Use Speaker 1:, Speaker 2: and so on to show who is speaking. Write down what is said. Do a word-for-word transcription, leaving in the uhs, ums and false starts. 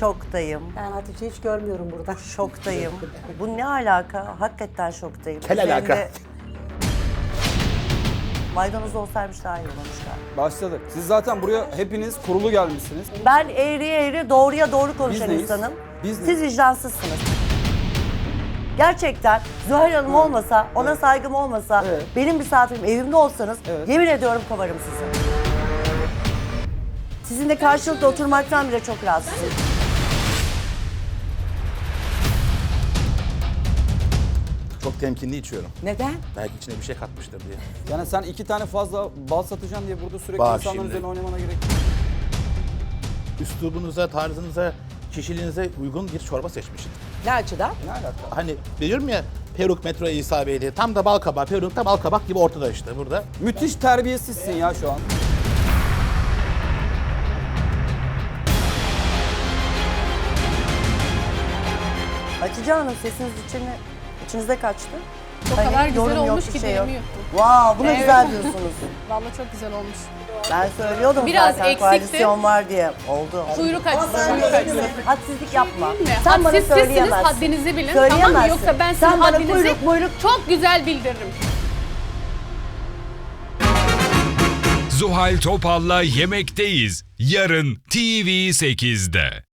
Speaker 1: Şoktayım.
Speaker 2: Ben Hatice hiç görmüyorum burada.
Speaker 1: Şoktayım. Bu ne alaka? Hakikaten şoktayım.
Speaker 3: Kel
Speaker 1: Üzerinde
Speaker 3: alaka.
Speaker 1: Maydanoz olsaymış daha iyi olurmuş galiba.
Speaker 4: Başladık. Siz zaten buraya hepiniz kurulu gelmişsiniz.
Speaker 1: Ben eğriye eğri, doğruya doğru konuşan
Speaker 4: neyiz?
Speaker 1: insanım.
Speaker 4: Biz
Speaker 1: Siz
Speaker 4: neyiz?
Speaker 1: vicdansızsınız. Gerçekten Zuhal Hanım olmasa, ona saygım olmasa,
Speaker 4: Evet.
Speaker 1: benim misafirim evimde olsanız
Speaker 4: Evet.
Speaker 1: yemin ediyorum kovarım sizi. Sizinle karşılıklı oturmaktan bile çok rahatsızım.
Speaker 3: Çok temkinli içiyorum.
Speaker 2: Neden?
Speaker 3: Belki içine bir şey katmıştır diye.
Speaker 4: Yani sen iki tane fazla bal satacaksın diye burada sürekli
Speaker 3: Bak
Speaker 4: insanların
Speaker 3: şimdi.
Speaker 4: üzerine oynamana gerek yok.
Speaker 3: Üslubunuza, tarzınıza, kişiliğinize uygun bir çorba seçmişim.
Speaker 2: Ne açıdan?
Speaker 4: Ne alaka?
Speaker 3: Hani diyorum ya peruk metro İsa Bey'li. Tam da bal kabağı, peruk da bal kabak gibi ortada işte burada.
Speaker 4: Müthiş terbiyesizsin ya şu an.
Speaker 1: Hatice Hanım sesiniz içine, içinize kaçtı.
Speaker 5: O
Speaker 1: Hani
Speaker 5: kadar güzel
Speaker 1: yorum yok,
Speaker 5: olmuş
Speaker 1: bir
Speaker 5: ki
Speaker 1: şey yok.
Speaker 5: dilimi yuttum.
Speaker 1: Wow, buna
Speaker 5: Evet.
Speaker 1: güzel diyorsunuz.
Speaker 5: Vallahi çok güzel olmuş.
Speaker 1: Ben söylüyordum
Speaker 5: Biraz
Speaker 1: zaten
Speaker 5: eksikti.
Speaker 1: koalisyon var diye. Oldu.
Speaker 5: Kuyruk
Speaker 1: Ama
Speaker 5: açısı,
Speaker 1: sen
Speaker 5: kuyruk açısı.
Speaker 1: hadsizlik yapma.
Speaker 5: Değil mi?
Speaker 1: Sen bana
Speaker 5: Hadsizsiniz,
Speaker 1: söyleyemezsin.
Speaker 5: haddinizi bilin. Tamam mı?
Speaker 1: Söyleyemezsin.
Speaker 5: Yoksa ben sizin
Speaker 1: Sen bana
Speaker 5: haddinizi
Speaker 1: kuyruk muyruk
Speaker 5: çok güzel bildiririm.
Speaker 6: Zuhal Topal'la Yemekteyiz. Yarın T V sekizde.